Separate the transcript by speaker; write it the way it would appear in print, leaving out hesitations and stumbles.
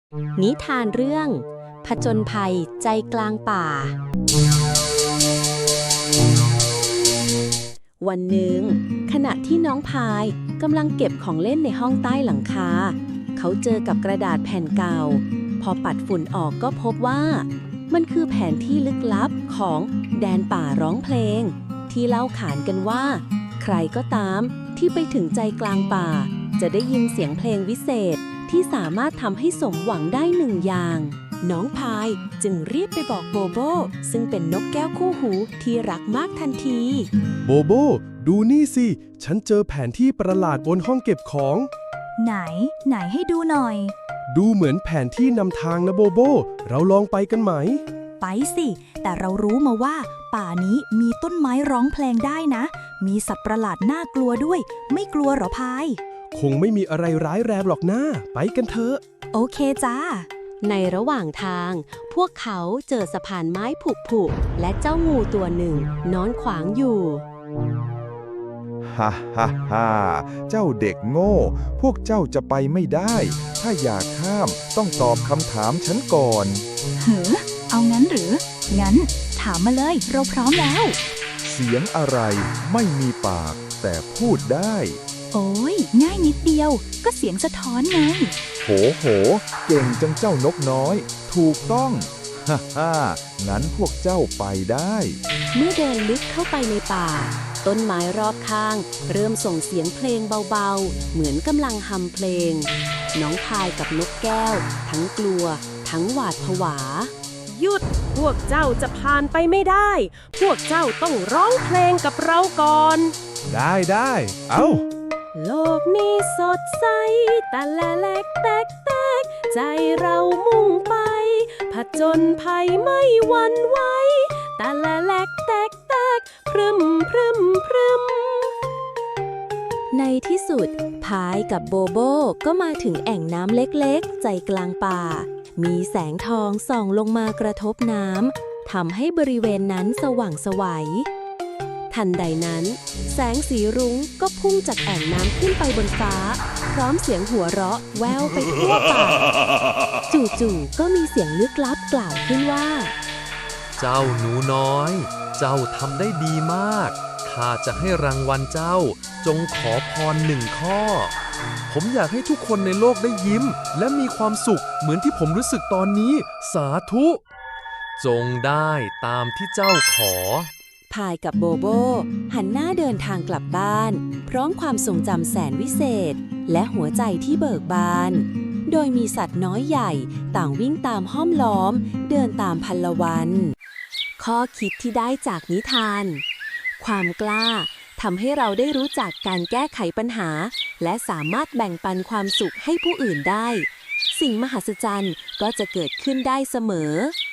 Speaker 1: นิทานเรื่องผจญภัยใจกลางป่าวันหนึ่งขณะที่น้องพายกำลังเก็บของเล่นในห้องใต้หลังคาเขาเจอกับกระดาษแผ่นเก่าพอปัดฝุ่นออกก็พบว่ามันคือแผนที่ลึกลับของแดนป่าร้องเพลงที่เล่าขานกันว่าใครก็ตามที่ไปถึงใจกลางป่าจะได้ยินเสียงเพลงวิเศษที่สามารถทำให้สมหวังได้หนึ่งอย่างน้องพายจึงรีบไปบอกโบโบซึ่งเป็นนกแก้วคู่หูที่รักมากทันที
Speaker 2: โบโบดูนี่สิฉันเจอแผนที่ประหลาดบนห้องเก็บของ
Speaker 3: ไหนให้ดูหน่อย
Speaker 2: ดูเหมือนแผนที่นำทางนะโบโบเราลองไปกันไหม
Speaker 3: ไปสิแต่เรารู้มาว่าป่านี้มีต้นไม้ร้องเพลงได้นะมีสัตว์ประหลาดน่ากลัวด้วยไม่กลัวหรอพาย
Speaker 2: คงไม่มีอะไรร้ายแรงหรอกนะไปกันเถอะ
Speaker 3: โอเคจ้า
Speaker 1: ในระหว่างทางพวกเขาเจอสะพานไม้ผุและเจ้างูตัวหนึ่งนอนขวางอยู่
Speaker 4: ฮ่าฮ่าฮ่าเจ้าเด็กโง่พวกเจ้าจะไปไม่ได้ถ้าอยากข้ามต้องตอบคำถามฉันก่อน
Speaker 3: เอางั้นหรืองั้นถามมาเลยเราพร้อมแล้ว
Speaker 4: เสียงอะไรไม่มีปากแต่พูดได้
Speaker 3: โอ้ยง่ายนิดเดียวก็เสียงสะท้อนไง
Speaker 4: โหเก่งจังเจ้านกน้อยถูกต้องฮ่าฮ่างั้นพวกเจ้าไปได้
Speaker 1: เมื่อเดินลึกเข้าไปในป่าต้นไม้รอบข้างเริ่มส่งเสียงเพลงเบาๆเหมือนกำลังฮัมเพลงน้องพายกับนกแก้วทั้งกลัวทั้งหวาดผวา
Speaker 5: หยุดพวกเจ้าจะผ่านไปไม่ได้พวกเจ้าต้องร้องเพลงกับเราก่อน
Speaker 2: ได้เอ้า
Speaker 5: โลกนี้สดใสแต่ละแลกแตกใจเรามุ่งไปผจญภัยไม่หวั่นไหวแต่ละแลกแตกพรึม
Speaker 1: ในที่สุดพายกับโบโบก็มาถึงแอ่งน้ำเล็กๆใจกลางป่ามีแสงทองส่องลงมากระทบน้ำทำให้บริเวณนั้นสว่างไสวทันใดนั้นแสงสีรุ้งก็พุ่งจากแอ่งน้ำขึ้นไปบนฟ้าพร้อมเสียงหัวเราะแววไปทั่วป่าจู่ๆก็มีเสียงลึกลับกล่าวขึ้นว่า
Speaker 6: เจ้าหนูน้อยเจ้าทำได้ดีมากข้าจะให้รางวัลเจ้าจงขอพร1 ข้อผมอยากให้ทุกคนในโลกได้ยิ้มและมีความสุขเหมือนที่ผมรู้สึกตอนนี้สาธุจงได้ตามที่เจ้าขอ
Speaker 1: พายกับโบโบหันหน้าเดินทางกลับบ้านพร้อมความทรงจำแสนวิเศษและหัวใจที่เบิกบานโดยมีสัตว์น้อยใหญ่ต่างวิ่งตามห้อมล้อมเดินตามพันละวันข้อคิดที่ได้จากนิทานความกล้าทำให้เราได้รู้จักการแก้ไขปัญหาและสามารถแบ่งปันความสุขให้ผู้อื่นได้สิ่งมหัศจรรย์ก็จะเกิดขึ้นได้เสมอ